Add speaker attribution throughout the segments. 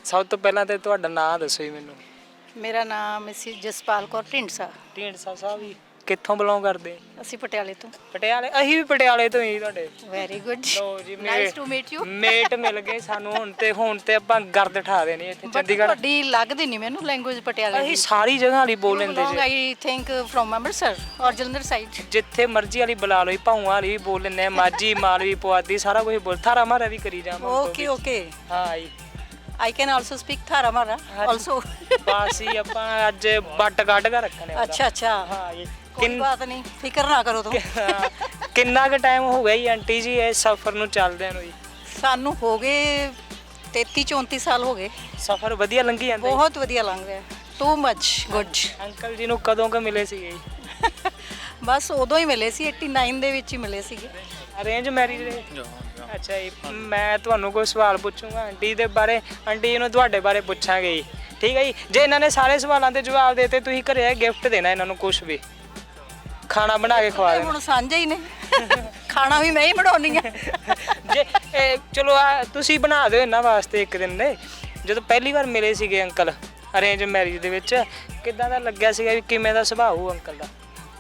Speaker 1: ਸਭ ਤੋਂ ਪਹਿਲਾਂ ਤੇ ਤੁਹਾਡਾ ਨਾਮ ਦੱਸੋ ਜੀ ਮੈਨੂੰ।
Speaker 2: ਮੇਰਾ ਨਾਮ ਮਿਸਿਸ ਜਸਪਾਲ ਕੌਰ ਢੀਂਡਸਾ।
Speaker 1: ਢੀਂਡਸਾ ਸਾਹਿਬ ਜੀ ਕਿੱਥੋਂ ਬਿਲੋਂਗ ਕਰਦੇ?
Speaker 2: ਅਸੀਂ ਪਟਿਆਲੇ ਤੋਂ।
Speaker 1: ਪਟਿਆਲੇ? ਅਸੀਂ ਵੀ ਪਟਿਆਲੇ ਤੋਂ ਹੀ ਤੁਹਾਡੇ।
Speaker 2: ਵੈਰੀ ਗੁੱਡ,
Speaker 1: ਲੋ ਜੀ
Speaker 2: nice to meet you.
Speaker 1: Mate ਮਿਲ ਗਏ ਸਾਨੂੰ ਹੁਣ ਤੇ ਆਪਾਂ ਗਰਦ ਠਾ ਦੇਣੀ ਇੱਥੇ ਚੰਡੀਗੜ੍ਹ।
Speaker 2: ਤੁਹਾਡੀ ਲੱਗਦੀ ਨਹੀਂ ਮੈਨੂੰ ਲੈਂਗੁਏਜ ਪਟਿਆਲੇ
Speaker 1: ਅਸੀਂ ਸਾਰੀ ਜਗ੍ਹਾ ਵਾਲੀ ਬੋਲ ਲੈਂਦੇ ਜੀ।
Speaker 2: ਆਈ ਥਿੰਕ ਫਰੋਮ ਅੰਮ੍ਰਿਤਸਰ ਔਰ ਜਲੰਧਰ ਸਾਈਡ।
Speaker 1: ਜਿੱਥੇ ਮਰਜ਼ੀ ਵਾਲੀ ਬੁਲਾ ਲਓ, ਭਾਊਆਂ ਵਾਲੀ ਵੀ ਬੋਲ ਲੈਂਦੇ ਆ, ਮਾਝੀ ਮਾਲਵੀ ਪੁਆਧੀ ਸਾਰਾ ਕੁਝ ਬੋਲ, ਥਾਰਾ ਮਾਰਾ ਵੀ ਕਰੀ ਜਾਵਾਂ।
Speaker 2: ਓਕੇ ਓਕੇ,
Speaker 1: ਹਾਂ ਜੀ।
Speaker 2: I can also speak Thara Mara also।
Speaker 1: ਬਸ ਹੀ ਆਪਾਂ ਅੱਜ ਬੱਟ ਕੱਢ ਕੇ ਰੱਖਣੇ ਆ।
Speaker 2: ਅੱਛਾ ਅੱਛਾ,
Speaker 1: ਹਾਂ ਜੀ।
Speaker 2: ਕੋਈ ਬਾਤ ਨਹੀਂ, ਫਿਕਰ ਨਾ ਕਰੋ ਤੁਮ।
Speaker 1: ਕਿੰਨਾ ਕੁ ਟਾਈਮ ਹੋ ਗਿਆ ਜੀ ਆਂਟੀ ਜੀ ਇਹ ਸਫ਼ਰ ਨੂੰ ਚੱਲਦਿਆਂ ਨੂੰ ਜੀ?
Speaker 2: ਸਾਨੂੰ ਹੋ ਗਏ 33-34 ਸਾਲ ਹੋ ਗਏ।
Speaker 1: ਸਫ਼ਰ ਵਧੀਆ ਲੰਘੀ ਜਾਂਦਾ ਜੀ?
Speaker 2: ਬਹੁਤ ਵਧੀਆ ਲੰਘ ਰਿਹਾ, ਟੂ ਮੱਚ ਗੁੱਡ।
Speaker 1: ਅੰਕਲ ਜੀ ਨੂੰ ਕਦੋਂ ਕੁ ਮਿਲੇ ਸੀਗੇ ਜੀ?
Speaker 2: ਬਸ ਉਦੋਂ ਹੀ ਮਿਲੇ ਸੀ, 89 ਦੇ ਵਿੱਚ ਹੀ ਮਿਲੇ ਸੀਗੇ।
Speaker 1: ਅਰੇਂਜ ਮੈਰਿਜ ਦੇ? ਅੱਛਾ ਜੀ। ਮੈਂ ਤੁਹਾਨੂੰ ਕੋਈ ਸਵਾਲ ਪੁੱਛੂੰਗਾ ਆਂਟੀ ਦੇ ਬਾਰੇ, ਆਂਟੀ ਜੀ ਨੂੰ ਤੁਹਾਡੇ ਬਾਰੇ ਪੁੱਛਾਂਗੇ ਜੀ, ਠੀਕ ਹੈ ਜੀ? ਜੇ ਇਹਨਾਂ ਨੇ ਸਾਰੇ ਸਵਾਲਾਂ ਦੇ ਜਵਾਬ ਦੇਤੇ, ਤੁਸੀਂ ਘਰੇ ਗਿਫਟ ਦੇਣਾ ਇਹਨਾਂ ਨੂੰ, ਕੁਝ ਵੀ ਖਾਣਾ ਬਣਾ ਕੇ ਖਵਾ ਦੇਣਾ।
Speaker 2: ਹੁਣ ਸਾਂਝੇ ਹੀ ਨੇ, ਖਾਣਾ ਵੀ ਮੈਂ ਹੀ ਬਣਾਉਣੀ ਆ।
Speaker 1: ਜੇ ਚਲੋ ਤੁਸੀਂ ਬਣਾ ਦਿਓ ਇਹਨਾਂ ਵਾਸਤੇ ਇੱਕ ਦਿਨ ਦੇ। ਜਦੋਂ ਪਹਿਲੀ ਵਾਰ ਮਿਲੇ ਸੀਗੇ ਅੰਕਲ ਅਰੇਂਜ ਮੈਰਿਜ ਦੇ ਵਿੱਚ, ਕਿੱਦਾਂ ਦਾ ਲੱਗਿਆ ਸੀਗਾ ਵੀ ਕਿਵੇਂ ਦਾ ਸੁਭਾਅ ਹੋਊ ਅੰਕਲ ਦਾ?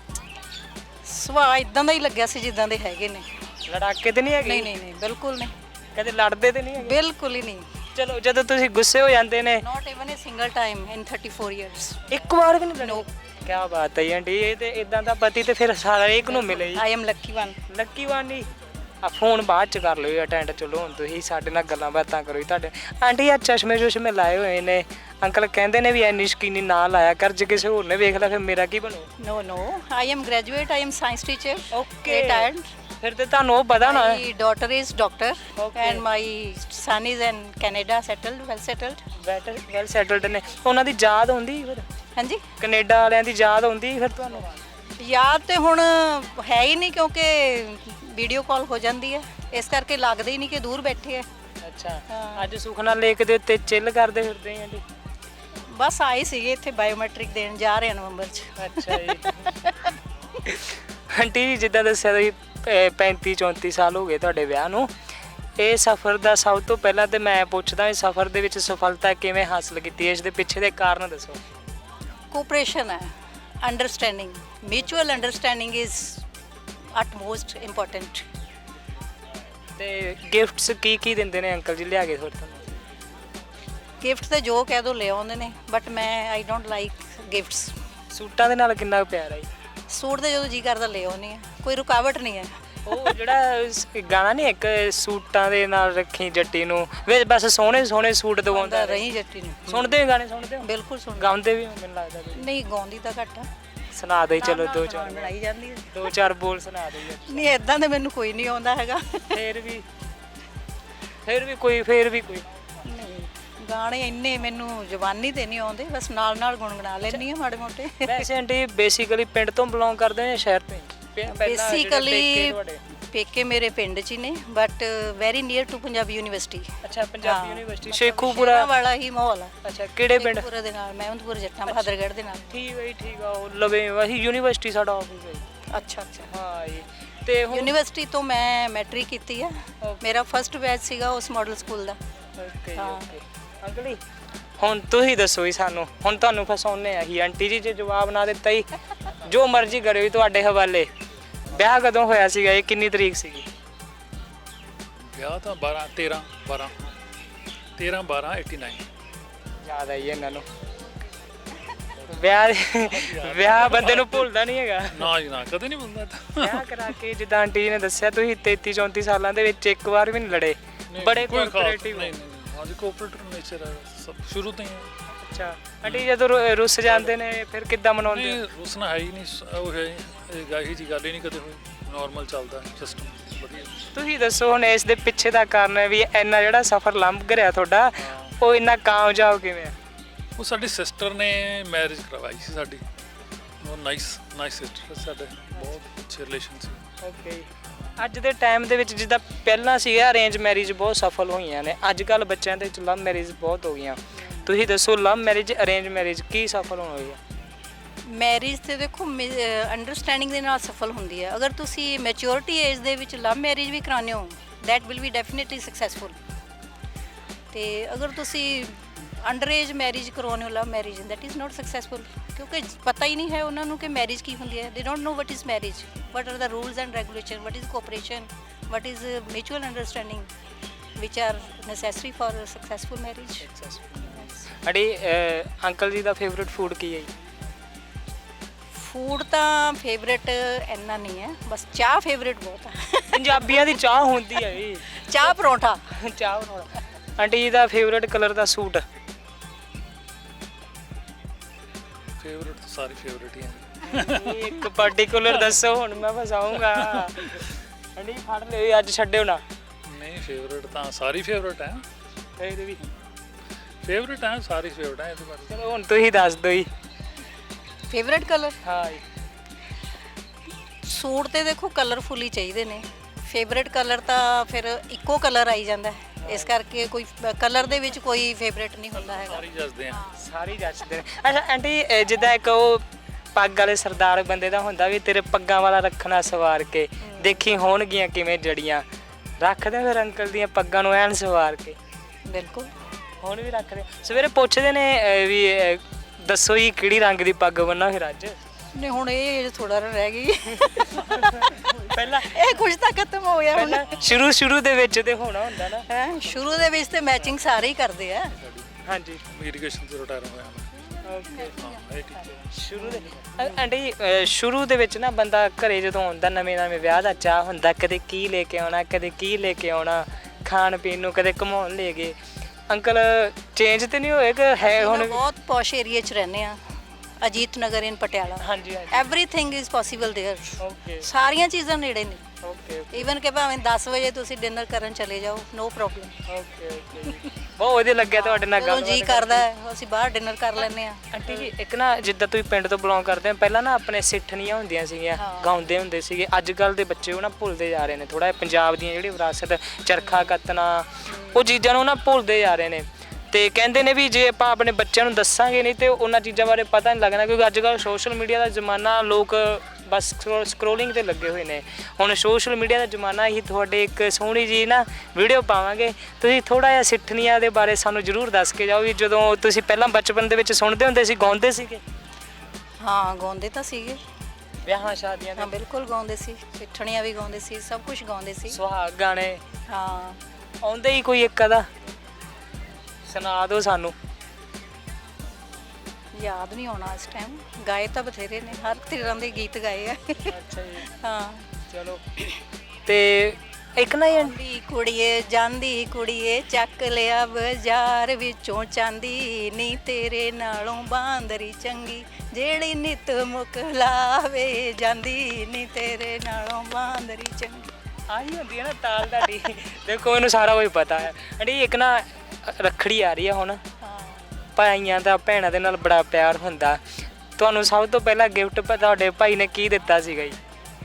Speaker 2: ਸੁਭਾਅ ਇਦਾਂ ਦਾ ਹੀ ਲੱਗਿਆ ਸੀ ਜਿੱਦਾਂ ਦੇ ਹੈਗੇ ਨੇ।
Speaker 1: ਲੜਾਕੇ ਤੇ ਨਹੀਂ ਹੈਗੇ?
Speaker 2: ਨਹੀਂ ਨਹੀਂ ਨਹੀਂ, ਬਿਲਕੁਲ ਨਹੀਂ।
Speaker 1: ਕਦੇ ਲੜਦੇ ਤੇ ਨਹੀਂ ਹੈਗੇ?
Speaker 2: ਬਿਲਕੁਲ ਹੀ ਨਹੀਂ।
Speaker 1: ਚਲੋ ਜਦੋਂ ਤੁਸੀਂ ਗੁੱਸੇ ਹੋ ਜਾਂਦੇ ਨੇ?
Speaker 2: Not even a single time in 34 years.
Speaker 1: ਇੱਕ ਵਾਰ ਵੀ ਨਹੀਂ?
Speaker 2: ਨੋ।
Speaker 1: ਕੀ ਬਾਤ ਹੈ ਆਂਟੀ, ਇਹ ਤੇ ਇਦਾਂ ਦਾ ਪਤੀ ਤੇ ਫਿਰ ਸਾਰਾ ਇੱਕ ਨੂੰ ਮਿਲੇ ਜੀ।
Speaker 2: I am lucky one.
Speaker 1: Lucky one ਜੀ। ਆ ਫੋਨ ਬਾਅਦ ਚ ਕਰ ਲਿਓ ਅਟੈਂਡ। ਚਲੋ ਹੁਣ ਤੁਸੀਂ ਸਾਡੇ ਨਾਲ ਗੱਲਾਂ ਬਾਤਾਂ ਕਰੋ ਜੀ। ਤੁਹਾਡੇ ਆਂਟੀ ਆ ਚਸ਼ਮੇ ਲਾਏ ਹੋਏ ਨੇ, ਅੰਕਲ ਕਹਿੰਦੇ ਨੇ ਵੀ ਐਨੀ ਸ਼ਕੀਨੀ ਨਾ ਲਾਇਆ ਕਰ, ਜੇ ਕਿਸੇ ਹੋਰ ਨੇ ਵੇਖ ਲਿਆ ਫਿਰ ਮੇਰਾ ਕੀ ਬਣੂ?
Speaker 2: No no, I am graduate, I am science teacher.
Speaker 1: Okay,
Speaker 2: retired.
Speaker 1: ਫਿਰ ਤੇ ਤੁਹਾਨੂੰ ਉਹ ਪਤਾ ਨਾ।
Speaker 2: My daughter is doctor
Speaker 1: Okay.
Speaker 2: and my son is in Canada, settled, well settled.
Speaker 1: Well settled ਨੇ। ਉਹਨਾਂ ਦੀ ਯਾਦ ਆਉਂਦੀ ਫਿਰ?
Speaker 2: ਹਾਂਜੀ,
Speaker 1: ਕੈਨੇਡਾ ਵਾਲਿਆਂ ਦੀ ਯਾਦ ਆਉਂਦੀ ਫਿਰ ਤੁਹਾਨੂੰ?
Speaker 2: ਯਾਦ ਤੇ ਹੁਣ ਹੈ ਹੀ ਨਹੀਂ, ਕਿਉਂਕਿ ਵੀਡੀਓ ਕਾਲ ਹੋ ਜਾਂਦੀ ਹੈ, ਇਸ ਕਰਕੇ ਲੱਗਦਾ ਹੀ ਨਹੀਂ ਕਿ ਦੂਰ ਬੈਠੇ ਹੈ।
Speaker 1: ਅੱਛਾ, ਅੱਜ ਸੁਖਨਾ ਲੇਕ ਦੇ ਉੱਤੇ ਚਿੱਲ ਕਰਦੇ ਫਿਰਦੇ ਆਂ ਜੀ?
Speaker 2: ਬਸ ਆਏ ਸੀਗੇ ਇੱਥੇ ਬਾਇਓਮੈਟ੍ਰਿਕ ਦੇਣ ਜਾ ਰਹੇ ਨਵੰਬਰ 'ਚ।
Speaker 1: ਅੱਛਾ ਜੀ। ਆਂਟੀ ਜੀ ਜਿੱਦਾਂ ਦੱਸਿਆ ਤੁਸੀਂ 35-34 ਸਾਲ ਹੋ ਗਏ ਤੁਹਾਡੇ ਵਿਆਹ ਨੂੰ। ਇਹ ਸਫ਼ਰ ਦਾ ਸਭ ਤੋਂ ਪਹਿਲਾਂ ਤੇ ਮੈਂ ਪੁੱਛਦਾ, ਇਸ ਸਫ਼ਰ ਦੇ ਵਿੱਚ ਸਫਲਤਾ ਕਿਵੇਂ ਹਾਸਲ ਕੀਤੀ ਹੈ? ਇਸ ਦੇ ਪਿੱਛੇ ਦੇ ਕਾਰਨ ਦੱਸੋ।
Speaker 2: ਕੋਆਪਰੇਸ਼ਨ ਹੈ, understanding, mutual understanding is utmost important.
Speaker 1: ਤੇ ਗਿਫਟਸ ਕੀ ਦਿੰਦੇ ਨੇ ਅੰਕਲ ਜੀ ਲਿਆ ਕੇ ਫਿਰ ਤੁਹਾਨੂੰ?
Speaker 2: ਗਿਫਟ ਤੇ ਜੋ ਕਹਿ ਦੋ ਲੈ ਆਉਂਦੇ ਨੇ, ਬਟ ਮੈਂ ਆਈ ਡੋਂਟ ਲਾਈਕ ਗਿਫਟਸ।
Speaker 1: ਸੂਟਾਂ ਦੇ ਨਾਲ ਕਿੰਨਾ ਕੁ ਪਿਆਰ ਹੈ ਜੀ?
Speaker 2: ਸੂਟ ਤੇ ਜਦੋਂ ਜੀ ਕਰਦਾ ਲੈ ਆਉਂਦੀ ਆ, ਕੋਈ ਰੁਕਾਵਟ ਨਹੀਂ ਹੈ।
Speaker 1: ਉਹ ਜਿਹੜਾ ਗਾਣਾ ਨਹੀਂ ਇੱਕ, ਸੂਟਾਂ ਦੇ ਨਾਲ ਰੱਖੀ ਜੱਟੀ ਨੂੰ, ਵੇ ਬਸ ਸੋਹਣੇ ਸੋਹਣੇ ਸੂਟ ਦਵਾਉਂਦਾ
Speaker 2: ਰਹੀ ਜੱਟੀ ਨੂੰ।
Speaker 1: ਸੁਣਦੇ ਹੋ ਗਾਣੇ? ਸੁਣਦੇ ਹੋ?
Speaker 2: ਬਿਲਕੁਲ ਸੁਣ।
Speaker 1: ਗਾਉਂਦੇ ਵੀ ਹੋ ਮੈਨੂੰ ਲੱਗਦਾ ਤੁਸੀਂ?
Speaker 2: ਨਹੀਂ, ਗਾਉਂਦੀ ਤਾਂ ਘੱਟ ਆ।
Speaker 1: ਸੁਣਾ ਦੇ ਚਲੋ ਦੋ ਚਾਰ
Speaker 2: ਬਣਾਈ ਜਾਂਦੀ ਹੈ।
Speaker 1: ਦੋ ਚਾਰ ਬੋਲ ਸੁਣਾ ਦੇ ਯਾਰ।
Speaker 2: ਨਹੀਂ, ਇਦਾਂ ਦੇ ਮੈਨੂੰ ਕੋਈ ਨਹੀਂ ਆਉਂਦਾ ਹੈਗਾ।
Speaker 1: ਫਿਰ ਵੀ ਕੋਈ
Speaker 2: ਨਹੀਂ, ਗਾਣੇ ਇੰਨੇ ਮੈਨੂੰ ਜ਼ੁਬਾਨੀ ਤੇ ਨਹੀਂ ਆਉਂਦੇ, ਬਸ ਨਾਲ ਨਾਲ ਗੁੰਗਣਾ ਲੈਂਦੀ ਆ ਮਾੜੇ ਮੋਟੇ।
Speaker 1: ਵੈਸੇ ਆਂਟੀ ਬੇਸਿਕਲੀ ਪਿੰਡ ਤੋਂ ਬਿਲੋਂਗ ਕਰਦੇ ਹੋ ਜਾਂ ਸ਼ਹਿਰ ਤੋਂ?
Speaker 2: ਬੇਸਿਕਲੀ ਪੇਕੇ ਮੇਰੇ ਪਿੰਡ 'ਚ ਹੀ ਨੇ, but very near to Punjabi university.
Speaker 1: ਅੱਛਾ, ਪੰਜਾਬੀ ਯੂਨੀਵਰਸਿਟੀ ਸ਼ੇਖੂਪੁਰਾ
Speaker 2: ਵਾਲਾ ਹੀ ਮਾਹੌਲ ਆ।
Speaker 1: ਅੱਛਾ, ਕਿਹੜੇ ਪਿੰਡ?
Speaker 2: ਸ਼ੇਖੂਪੁਰਾ ਦੇ ਨਾਲ, ਮਹਿਮਦਪੁਰ ਜੱਟਾਂ ਬਹਾਦਰਗੜ੍ਹ ਦੇ ਨਾਲ।
Speaker 1: ਠੀਕ ਹੈ ਜੀ, ਠੀਕ ਆ। ਉਹ ਲਵੇ ਅਸੀਂ ਯੂਨੀਵਰਸਿਟੀ ਸਾਡਾ ਆਫਿਸ ਹੈ ਜੀ।
Speaker 2: ਅੱਛਾ ਅੱਛਾ।
Speaker 1: ਹਾਂ ਜੀ। ਤੇ
Speaker 2: ਯੂਨੀਵਰਸਿਟੀ ਤੋਂ ਮੈਂ ਮੈਟ੍ਰਿਕ ਕੀਤੀ ਆ। ਮੇਰਾ ਫਸਟ ਬੈਚ ਸੀਗਾ ਉਸ ਮਾਡਲ ਸਕੂਲ ਦਾ।
Speaker 1: Okay okay. ਅੰਕਲ ਜੀ ਹੁਣ ਤੁਸੀਂ ਦੱਸੋ ਜੀ ਸਾਨੂੰ, ਹੁਣ ਤੁਹਾਨੂੰ ਫਸਾਉਣੇ ਆ ਹੀ ਆਂਟੀ ਜੀ, ਜੇ ਜਵਾਬ ਨਾ ਦਿੱਤਾ ਜੀ ਜੋ ਮਰਜ਼ੀ ਕਰਿਓ ਜੀ, ਤੁਹਾਡੇ ਹਵਾਲੇ। ਵਿਆਹ ਕਦੋਂ ਹੋਇਆ ਸੀਗਾ ਇਹ? ਕਿੰਨੀ ਤਰੀਕ ਸੀਗੀ
Speaker 3: ਵਿਆਹ? ਤਾਂ 13/12/89।
Speaker 1: ਯਾਦ ਆਈ ਇਹਨਾਂ ਨੂੰ? ਵਿਆਹ ਬੰਦੇ ਨੂੰ ਭੁੱਲਦਾ ਨਹੀਂ ਹੈਗਾ।
Speaker 3: ਨਾ ਜੀ ਨਾ, ਕਦੇ ਨਹੀਂ ਭੁੱਲਦਾ।
Speaker 1: ਵਿਆਹ ਕਰਾ ਕੇ ਜਿੱਦਾਂ ਆਂਟੀ ਜੀ ਨੇ ਦੱਸਿਆ, ਤੁਸੀਂ 33-34 ਸਾਲਾਂ ਦੇ ਵਿੱਚ ਇੱਕ ਵਾਰ ਵੀ ਨਹੀਂ ਲੜੇ? ਬੜੇ ਕੋਆਪਰੇਟਿਵ।
Speaker 3: ਨਹੀਂ ਨਹੀਂ, ਹਾਂਜੀ ਕੋਆਪਰੇਟਿਵ ਨੇਚਰ ਹੈ ਸਭ ਸ਼ੁਰੂ ਤੋਂ ਹੀ।
Speaker 1: ਅੱਛਾ ਆਂਟੀ, ਜਦੋਂ ਰੁੱਸ ਜਾਂਦੇ ਨੇ ਫਿਰ ਕਿੱਦਾਂ ਮਨਾਉਂਦੇ?
Speaker 3: ਨਹੀਂ, ਰੁੱਸਣਾ ਹੈ ਹੀ ਨਹੀਂ। ਉਹ ਹੈ ਇਹੀ ਜੀ ਗੱਲ ਹੀ ਨਹੀਂ ਕਦੇ ਹੋਈ। ਨਾਰਮਲ ਚੱਲਦਾ ਸਿਸਟਮ, ਵਧੀਆ।
Speaker 1: ਤੁਸੀਂ ਦੱਸੋ ਹੁਣ ਇਸ ਦੇ ਪਿੱਛੇ ਦਾ ਕਾਰਨ ਹੈ ਵੀ ਇੰਨਾ ਜਿਹੜਾ ਸਫ਼ਰ ਲੰਘ ਰਿਹਾ ਤੁਹਾਡਾ, ਉਹ ਇੰਨਾ ਕਾਮਯਾਬ ਕਿਵੇਂ ਆ?
Speaker 3: ਉਹ ਸਾਡੀ ਸਿਸਟਰ ਨੇ ਮੈਰਿਜ ਕਰਵਾਈ ਸੀ ਸਾਡੀ। ਉਹ ਨਾਈਸ ਸਿਸਟਰ ਸਾਡੇ, ਬਹੁਤ ਅੱਛੇ ਰਿਲੇਸ਼ਨ ਸੀ।
Speaker 1: ਓਕੇ। ਅੱਜ ਦੇ ਟਾਈਮ ਦੇ ਵਿੱਚ ਜਿੱਦਾਂ ਪਹਿਲਾਂ ਸੀਗਾ ਅਰੇਂਜ ਮੈਰਿਜ ਬਹੁਤ ਸਫਲ ਹੋਈਆਂ ਨੇ, ਅੱਜ ਕੱਲ੍ਹ ਬੱਚਿਆਂ ਦੇ ਵਿੱਚ ਲਵ ਮੈਰਿਜ ਬਹੁਤ ਹੋ ਗਈਆਂ। ਤੁਸੀਂ ਦੱਸੋ ਲਵ ਮੈਰਿਜ ਅਰੇਂਜ ਮੈਰਿਜ ਕੀ ਸਫਲ ਹੋਈ ਆ?
Speaker 2: ਮੈਰਿਜ ਤੇ ਦੇਖੋ ਅੰਡਰਸਟੈਂਡਿੰਗ ਦੇ ਨਾਲ ਸਫਲ ਹੁੰਦੀ ਹੈ। ਅਗਰ ਤੁਸੀਂ ਮੈਚੁਰਿਟੀ ਏਜ ਦੇ ਵਿੱਚ ਲਵ ਮੈਰਿਜ ਵੀ ਕਰਾਉਂਦੇ ਹੋ, that will be definitely successful. ਤੇ ਅਗਰ ਤੁਸੀਂ ਅੰਡਰ ਏਜ ਮੈਰਿਜ ਕਰਾਉਣ ਵਾਲਾ marriage that is not successful, ਕਿਉਂਕਿ ਪਤਾ ਹੀ ਨਹੀਂ ਹੈ ਉਹਨਾਂ ਨੂੰ ਕਿ ਮੈਰਿਜ ਕੀ ਹੁੰਦੀ ਹੈ। They don't know what is marriage, what are the rules and regulation, what is cooperation, what is mutual understanding which are necessary for successful marriage.
Speaker 1: Aunty uncle ਜੀ ਦਾ ਫੇਵਰਿਟ ਫੂਡ ਕੀ ਹੈ ਜੀ?
Speaker 2: ਫੂਡ ਤਾਂ favourite ਇੰਨਾ ਨਹੀਂ ਹੈ, ਬਸ ਚਾਹ favourite ਬਹੁਤ ਹੈ।
Speaker 1: ਪੰਜਾਬੀਆਂ ਦੀ ਚਾਹ ਹੁੰਦੀ ਹੈ ਜੀ।
Speaker 2: ਚਾਹ ਪਰੌਂਠਾ।
Speaker 1: ਚਾਹ ਬਣਾਉਣਾ। ਆਂਟੀ ਜੀ ਦਾ ਫੇਵਰਿਟ ਕਲਰ ਦਾ ਸੂਟ?
Speaker 3: ਫੇਵਰਟ ਤਾਂ ਸਾਰੇ ਫੇਵਰਟ ਹੀ ਆ।
Speaker 1: ਇੱਕ ਪਾਰਟਿਕੂਲਰ ਦੱਸੋ, ਹੁਣ ਮੈਂ ਫਸਾਉਂਗਾ। ਆਂਟੀ ਫੜ ਲਿਓ, ਅੱਜ ਛੱਡਿਓ ਨਾ।
Speaker 3: ਨਹੀਂ ਫੇਵਰਟ ਤਾਂ ਸਾਰੀ ਫੇਵਰਟ ਹੈ।
Speaker 1: ਇਹਦੇ ਵੀ
Speaker 3: ਫੇਵਰਟ ਹੈ, ਸਾਰੀ ਫੇਵਰਟ ਹੈ। ਇਹਦੇ ਬਾਰੇ
Speaker 1: ਚਲੋ ਹੁਣ ਤੁਸੀਂ ਦੱਸ ਦਿਓ ਜੀ।
Speaker 2: ਫੇਵਰੇਟ ਕਲਰ
Speaker 1: ਹਾਂ ਜੀ।
Speaker 2: ਸੂਟ ਤੇ ਦੇਖੋ ਕਲਰਫੁਲ ਹੀ ਚਾਹੀਦੇ ਨੇ। ਫੇਵਰੇਟ ਕਲਰ ਤਾਂ ਫਿਰ ਇੱਕੋ ਕਲਰ ਆਈ ਜਾਂਦਾ ਹੈ, ਇਸ ਕਰਕੇ ਕੋਈ ਕਲਰ ਦੇ ਵਿੱਚ ਕੋਈ ਫੇਵਰੇਟ ਨਹੀਂ ਹੁੰਦਾ ਹੈਗਾ।
Speaker 3: ਸਾਰੀ ਜੱਜਦੇ ਆ।
Speaker 1: ਸਾਰੀ ਜੱਚਦੇ ਨੇ। ਅੱਛਾ ਆਂਟੀ ਜਿੱਦਾਂ ਇੱਕ ਉਹ ਪੱਗ ਵਾਲੇ ਸਰਦਾਰ ਬੰਦੇ ਦਾ ਹੁੰਦਾ ਵੀ ਤੇਰੇ ਪੱਗਾਂ ਵਾਲਾ ਰੱਖਣਾ ਸਵਾਰ ਕੇ, ਦੇਖੀ ਹੋਣਗੀਆਂ ਕਿਵੇਂ ਜੜੀਆਂ, ਰੱਖਦੇ ਫਿਰ ਅੰਕਲ ਦੀਆਂ ਪੱਗਾਂ ਨੂੰ ਐਨ ਸਵਾਰ ਕੇ?
Speaker 2: ਬਿਲਕੁਲ।
Speaker 1: ਹੁਣ ਵੀ ਰੱਖਦੇ। ਸਵੇਰੇ ਪੁੱਛਦੇ ਨੇ ਵੀ ਦੱਸੋ ਜੀ ਕਿਹੜੀ ਰੰਗ ਦੀ ਪੱਗ ਬੰਨਾ ਫਿਰ ਅੱਜ?
Speaker 2: ਨਹੀਂ ਹੁਣ ਇਹ ਥੋੜਾ ਰਹਿ ਗਈ।
Speaker 1: ਪਹਿਲਾਂ
Speaker 2: ਇਹ ਕੁਝ ਤਾਂ ਖਤਮ ਹੋ ਗਿਆ ਹੁਣ।
Speaker 1: ਪਹਿਲਾਂ ਸ਼ੁਰੂ ਦੇ ਵਿੱਚ ਤੇ ਹੋਣਾ ਹੁੰਦਾ ਨਾ।
Speaker 2: ਹੈ ਸ਼ੁਰੂ ਦੇ ਵਿੱਚ ਤੇ ਮੈਚਿੰਗ ਸਾਰੇ ਹੀ ਕਰਦੇ ਆ।
Speaker 1: ਹਾਂਜੀ।
Speaker 3: ਇਰੀਗੇਸ਼ਨ ਤੋਂ ਰਿਟਾਇਰ ਹੋਇਆ ਮੈਂ।
Speaker 1: ਓਕੇ।
Speaker 3: ਹਾਂ ਇਹ ਠੀਕ ਹੈ।
Speaker 1: ਸ਼ੁਰੂ ਦੇ ਆਂਟੀ ਸ਼ੁਰੂ ਦੇ ਵਿੱਚ ਨਾ ਬੰਦਾ ਘਰੇ ਜਦੋਂ ਆਉਂਦਾ, ਨਵੇਂ ਵਿਆਹ ਦਾ ਚਾਹ ਹੁੰਦਾ, ਕਦੇ ਕੀ ਲੈ ਕੇ ਆਉਣਾ, ਕਦੇ ਕੀ ਲੈ ਕੇ ਆਉਣਾ, ਖਾਣ ਪੀਣ ਨੂੰ, ਕਦੇ ਘੁਮਾਉਣ ਲੈ ਗਏ। ਅੰਕਲ ਚੇਂਜ ਤੇ ਨਹੀਂ ਹੋਏ ਕਿ ਹੈ ਹੁਣ?
Speaker 2: ਬਹੁਤ ਪੌਸ਼ ਏਰੀਆ 'ਚ ਰਹਿੰਦੇ ਆ, ਅਜੀਤ ਨਗਰ ਇਨ ਪਟਿਆਲਾ।
Speaker 1: ਹਾਂਜੀ ਹਾਂਜੀ।
Speaker 2: Everything is possible there.
Speaker 1: Okay
Speaker 2: ਸਾਰੀਆਂ ਚੀਜ਼ਾਂ ਨੇੜੇ ਨੇ।
Speaker 1: ਓਕੇ
Speaker 2: ਈਵਨ ਕਿ ਭਾਵੇਂ 10 ਵਜੇ ਤੁਸੀਂ ਡਿਨਰ ਕਰਨ ਚਲੇ ਜਾਓ, ਨੋ ਪ੍ਰੋਬਲਮ।
Speaker 1: Okay okay. ਬਹੁਤ ਵਧੀਆ ਲੱਗਿਆ ਤੁਹਾਡੇ ਨਾਲ
Speaker 2: ਜਦੋਂ
Speaker 1: ਗੱਲ
Speaker 2: ਜੀ ਕਰਦਾ ਹੈ ਅਸੀਂ ਬਾਹਰ ਡਿਨਰ ਕਰ ਲੈਂਦੇ ਆ।
Speaker 1: ਆਂਟੀ ਜੀ ਇੱਕ ਨਾ ਜਿੱਦਾਂ ਤੁਸੀਂ ਪਿੰਡ ਤੋਂ ਬਿਲੋਂਗ ਕਰਦੇ ਹੋ, ਪਹਿਲਾਂ ਨਾ ਆਪਣੇ ਸਿੱਠਣੀਆਂ ਹੁੰਦੀਆਂ ਸੀਗੀਆਂ, ਗਾਉਂਦੇ ਹੁੰਦੇ ਸੀਗੇ। ਅੱਜ ਕੱਲ ਦੇ ਬੱਚੇ ਉਹ ਨਾ ਭੁੱਲਦੇ ਜਾ ਰਹੇ ਨੇ ਥੋੜਾ। ਪੰਜਾਬ ਦੀਆਂ ਜਿਹੜੀ ਵਿਰਾਸਤ, ਚਰਖਾ ਕੱਤਣਾ, ਉਹ ਚੀਜ਼ਾਂ ਨੂੰ ਨਾ ਭੁੱਲਦੇ ਜਾ ਰਹੇ ਨੇ। ਤੇ ਕਹਿੰਦੇ ਨੇ ਵੀ ਜੇ ਆਪਾਂ ਆਪਣੇ ਬੱਚਿਆਂ ਨੂੰ ਦੱਸਾਂਗੇ ਨਹੀਂ ਤੇ ਉਹਨਾਂ ਚੀਜ਼ਾਂ ਬਾਰੇ ਪਤਾ ਨਹੀਂ ਲੱਗਣਾ, ਕਿਉਂਕਿ ਅੱਜ ਕੱਲ੍ਹ ਸੋਸ਼ਲ ਮੀਡੀਆ ਦਾ ਜ਼ਮਾਨਾ, ਲੋਕ ਬਸ ਸਕਰੋਲਿੰਗ ਤੇ ਲੱਗੇ ਹੋਏ ਨੇ। ਹੁਣ ਸੋਸ਼ਲ ਮੀਡੀਆ ਦਾ ਜ਼ਮਾਨਾ ਹੀ। ਤੁਹਾਡੇ ਇੱਕ ਸੋਹਣੀ ਜੀ ਨਾ ਵੀਡੀਓ ਪਾਵਾਂਗੇ, ਤੁਸੀਂ ਥੋੜਾ ਜਿਹਾ ਸਿੱਠਣੀਆਂ ਦੇ ਬਾਰੇ ਸਾਨੂੰ ਜ਼ਰੂਰ ਦੱਸ ਕੇ ਜਾਓ ਵੀ ਜਦੋਂ ਤੁਸੀਂ ਪਹਿਲਾਂ ਬਚਪਨ ਦੇ ਵਿੱਚ ਸੁਣਦੇ ਹੁੰਦੇ ਸੀ, ਗਾਉਂਦੇ ਸੀਗੇ?
Speaker 2: ਹਾਂ ਗਾਉਂਦੇ ਤਾਂ ਸੀਗੇ,
Speaker 1: ਵਿਆਹਾਂ ਸ਼ਾਦੀਆਂ
Speaker 2: ਹਾਂ
Speaker 1: ਦੇ
Speaker 2: ਬਿਲਕੁਲ ਗਾਉਂਦੇ ਸੀ, ਸਿੱਠਣੀਆਂ ਵੀ ਗਾਉਂਦੇ ਸੀ, ਸਭ ਕੁਝ ਗਾਉਂਦੇ ਸੀ।
Speaker 1: ਸੁਹਾਗ ਗਾਣੇ
Speaker 2: ਹਾਂ
Speaker 1: ਆਉਂਦੇ ਹੀ ਕੋਈ ਇੱਕ ਅਦਾ ਸੁਣਾ ਦਿਓ ਸਾਨੂੰ।
Speaker 2: ਯਾਦ ਨਹੀਂ ਆਉਣਾ ਇਸ ਟਾਈਮ। ਗਾਏ ਤਾਂ ਬਥੇਰੇ ਨੇ, ਹਰ ਤਰ੍ਹਾਂ ਦੇ ਗੀਤ ਗਾਏ ਆ।
Speaker 1: ਅੱਛਾ ਜੀ।
Speaker 2: ਹਾਂ
Speaker 1: ਚਲੋ ਤੇ ਇੱਕ ਨਾ
Speaker 2: ਜਾਂਦੀ ਕੁੜੀਏ, ਜਾਂਦੀ ਕੁੜੀਏ, ਚੱਕ ਲਿਆ ਬਾਜ਼ਾਰ ਵਿੱਚੋਂ ਚਾਂਦੀ ਨੀ, ਤੇਰੇ ਨਾਲੋਂ ਬਾਂਦਰੀ ਚੰਗੀ ਜਿਹੜੀ ਨਿਤ ਮੁਕਲਾਵੇ ਜਾਂਦੀ ਨੀ, ਤੇਰੇ ਨਾਲੋਂ ਬਾਂਦਰੀ ਚੰਗੀ।
Speaker 1: ਆਹੀ ਹੁੰਦੀ ਹੈ ਨਾ ਤਾਲ ਤੁਹਾਡੀ। ਦੇਖੋ ਇਹਨੂੰ ਸਾਰਾ ਕੁਝ ਪਤਾ ਹੈ। ਅੜੀ ਇੱਕ ਨਾ ਰੱਖੜੀ ਆ ਰਹੀ ਆ ਹੁਣ, ਭਾਈਆਂ ਦਾ ਭੈਣਾਂ ਦੇ ਨਾਲ ਬੜਾ ਪਿਆਰ ਹੁੰਦਾ। ਤੁਹਾਨੂੰ ਸਭ ਤੋਂ ਪਹਿਲਾਂ ਗਿਫਟ ਤੁਹਾਡੇ ਭਾਈ ਨੇ ਕੀ ਦਿੱਤਾ ਸੀਗਾ ਜੀ?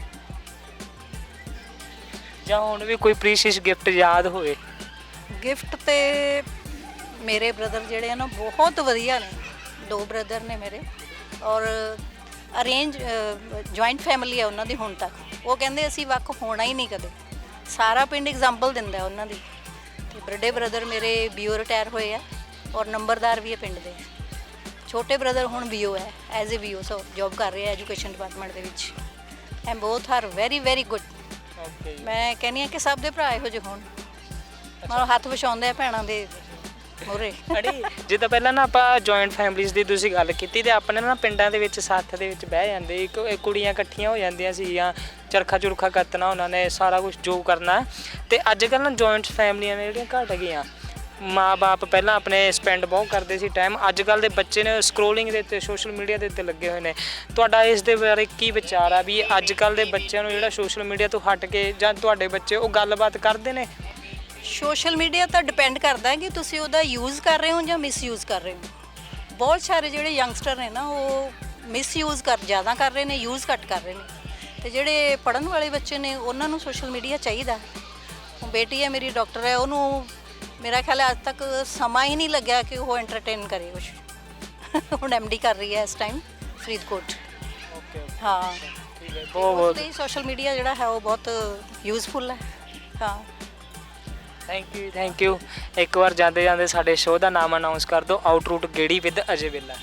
Speaker 1: ਜਾਂ ਹੁਣ ਵੀ ਕੋਈ ਪ੍ਰੀਸ਼ੀਅਸ ਗਿਫਟ ਯਾਦ ਹੋਵੇ?
Speaker 2: ਗਿਫਟ ਤੇ ਮੇਰੇ ਬ੍ਰਦਰ ਜਿਹੜੇ ਆ ਨਾ ਬਹੁਤ ਵਧੀਆ ਨੇ। 2 ਬ੍ਰਦਰ ਨੇ ਮੇਰੇ, ਔਰ ਅਰੇਂਜ ਜੁਆਇੰਟ ਫੈਮਿਲੀ ਹੈ ਉਹਨਾਂ ਦੀ ਹੁਣ ਤੱਕ। ਉਹ ਕਹਿੰਦੇ ਅਸੀਂ ਵੱਖ ਹੋਣਾ ਹੀ ਨਹੀਂ ਕਦੇ। ਸਾਰਾ ਪਿੰਡ ਐਗਜ਼ਾਮਪਲ ਦਿੰਦਾ ਉਹਨਾਂ ਦੀ। ਤੇ ਵੱਡੇ ਬ੍ਰਦਰ ਮੇਰੇ ਬੀਓ ਰਿਟਾਇਰ ਹੋਏ ਆ, ਔਰ ਨੰਬਰਦਾਰ ਵੀ ਹੈ ਪਿੰਡ ਦੇ। ਛੋਟੇ ਬ੍ਰਦਰ ਹੁਣ ਬੀਓ ਹੈ, as a BO so job ਕਰ ਰਹੇ ਆ ਐਜੂਕੇਸ਼ਨ ਡਿਪਾਰਟਮੈਂਟ ਦੇ ਵਿੱਚ। And both are very very good.
Speaker 1: Okay.
Speaker 2: ਮੈਂ ਕਹਿੰਦੀ ਹਾਂ ਕਿ ਸਭ ਦੇ ਭਰਾ ਇਹੋ ਜਿਹੇ ਹੋਣ, ਮਤਲਬ ਹੱਥ ਵਿਛਾਉਂਦੇ ਆ ਭੈਣਾਂ ਦੇ ਮੂਹਰੇ।
Speaker 1: ਅੜੀ ਜਿੱਦਾਂ ਪਹਿਲਾਂ ਨਾ ਆਪਾਂ ਜੁਆਇੰਟ ਫੈਮਿਲੀਜ਼ ਦੀ ਤੁਸੀਂ ਗੱਲ ਕੀਤੀ, ਤੇ ਆਪਣੇ ਨਾ ਪਿੰਡਾਂ ਦੇ ਵਿੱਚ ਸੱਥ ਦੇ ਵਿੱਚ ਬਹਿ ਜਾਂਦੇ, ਇੱਕ ਕੁੜੀਆਂ ਇਕੱਠੀਆਂ ਹੋ ਜਾਂਦੀਆਂ ਸੀਗੀਆਂ, ਚਰਖਾ ਚੁਰਖਾ ਕੱਤਣਾ ਉਹਨਾਂ ਨੇ, ਸਾਰਾ ਕੁਝ ਜੋ ਕਰਨਾ। ਤੇ ਅੱਜ ਕੱਲ੍ਹ ਨਾ ਜੁਆਇੰਟ ਫੈਮਲੀਆਂ ਨੇ ਜਿਹੜੀਆਂ ਘੱਟ ਗਈਆਂ। ਮਾਂ-ਬਾਪ ਪਹਿਲਾਂ ਆਪਣੇ ਸਪੈਂਡ ਬਹੁਤ ਕਰਦੇ ਸੀ ਟਾਈਮ, ਅੱਜ ਕੱਲ੍ਹ ਦੇ ਬੱਚੇ ਨੇ ਸਕਰੋਲਿੰਗ ਦੇ ਉੱਤੇ, ਸੋਸ਼ਲ ਮੀਡੀਆ ਦੇ ਉੱਤੇ ਲੱਗੇ ਹੋਏ ਨੇ। ਤੁਹਾਡਾ ਇਸ ਦੇ ਬਾਰੇ ਕੀ ਵਿਚਾਰ ਆ ਵੀ ਅੱਜ ਕੱਲ੍ਹ ਦੇ ਬੱਚਿਆਂ ਨੂੰ ਜਿਹੜਾ ਸੋਸ਼ਲ ਮੀਡੀਆ ਤੋਂ ਹਟ ਕੇ, ਜਾਂ ਤੁਹਾਡੇ ਬੱਚੇ ਉਹ ਗੱਲਬਾਤ ਕਰਦੇ ਨੇ?
Speaker 2: ਸੋਸ਼ਲ ਮੀਡੀਆ ਤਾਂ ਡਿਪੈਂਡ ਕਰਦਾ ਹੈ ਕਿ ਤੁਸੀਂ ਉਹਦਾ ਯੂਜ਼ ਕਰ ਰਹੇ ਹੋ ਜਾਂ ਮਿਸਯੂਜ਼ ਕਰ ਰਹੇ ਹੋ। ਬਹੁਤ ਸਾਰੇ ਜਿਹੜੇ ਯੰਗਸਟਰ ਨੇ ਨਾ ਉਹ ਮਿਸਯੂਜ਼ ਜ਼ਿਆਦਾ ਕਰ ਰਹੇ ਨੇ, ਯੂਜ਼ ਘੱਟ ਕਰ ਰਹੇ ਨੇ। ਤੇ ਜਿਹੜੇ ਪੜ੍ਹਨ ਵਾਲੇ ਬੱਚੇ ਨੇ ਉਹਨਾਂ ਨੂੰ ਸੋਸ਼ਲ ਮੀਡੀਆ ਚਾਹੀਦਾ। ਹੁਣ ਬੇਟੀ ਹੈ ਮੇਰੀ, ਡਾਕਟਰ ਹੈ, ਉਹਨੂੰ ਮੇਰਾ ਖਿਆਲ ਹੈ ਅੱਜ ਤੱਕ ਸਮਾਂ ਹੀ ਨਹੀਂ ਲੱਗਿਆ ਕਿ ਉਹ ਐਂਟਰਟੇਨ ਕਰੇ ਕੁਛ। ਹੁਣ ਐਮਡੀ ਕਰ ਰਹੀ ਹੈ ਇਸ ਟਾਈਮ ਫਰੀਦਕੋਟ।
Speaker 1: ਓਕੇ
Speaker 2: ਹਾਂ
Speaker 1: ਠੀਕ ਹੈ। ਬਹੁਤ
Speaker 2: ਸੋਸ਼ਲ ਮੀਡੀਆ ਜਿਹੜਾ ਹੈ ਉਹ ਬਹੁਤ ਯੂਜ਼ਫੁਲ ਹੈ। ਹਾਂ
Speaker 1: ਥੈਂਕ ਯੂ ਇੱਕ ਵਾਰ ਜਾਂਦੇ ਜਾਂਦੇ ਸਾਡੇ ਸ਼ੋਅ ਦਾ ਨਾਮ ਅਨਾਉਂਸ ਕਰ ਦਿਓ, ਆਊਟ ਰੂਟ ਗੇੜੀ with Ajay Vela.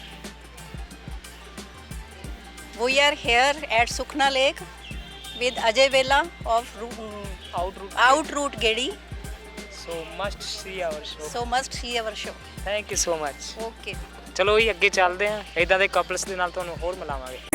Speaker 2: We are here at Sukhna Lake with Ajay Vela of
Speaker 1: out route
Speaker 2: Out Route Gedi.
Speaker 1: So must see our show.
Speaker 2: So must see our show.
Speaker 1: Thank you so much.
Speaker 2: Okay.
Speaker 1: ਚਲੋ ਜੀ ਅੱਗੇ ਚੱਲਦੇ ਹਾਂ, ਇਦਾਂ ਦੇ couples ਦੇ ਨਾਲ ਤੁਹਾਨੂੰ ਹੋਰ ਮਿਲਾਵਾਂਗੇ।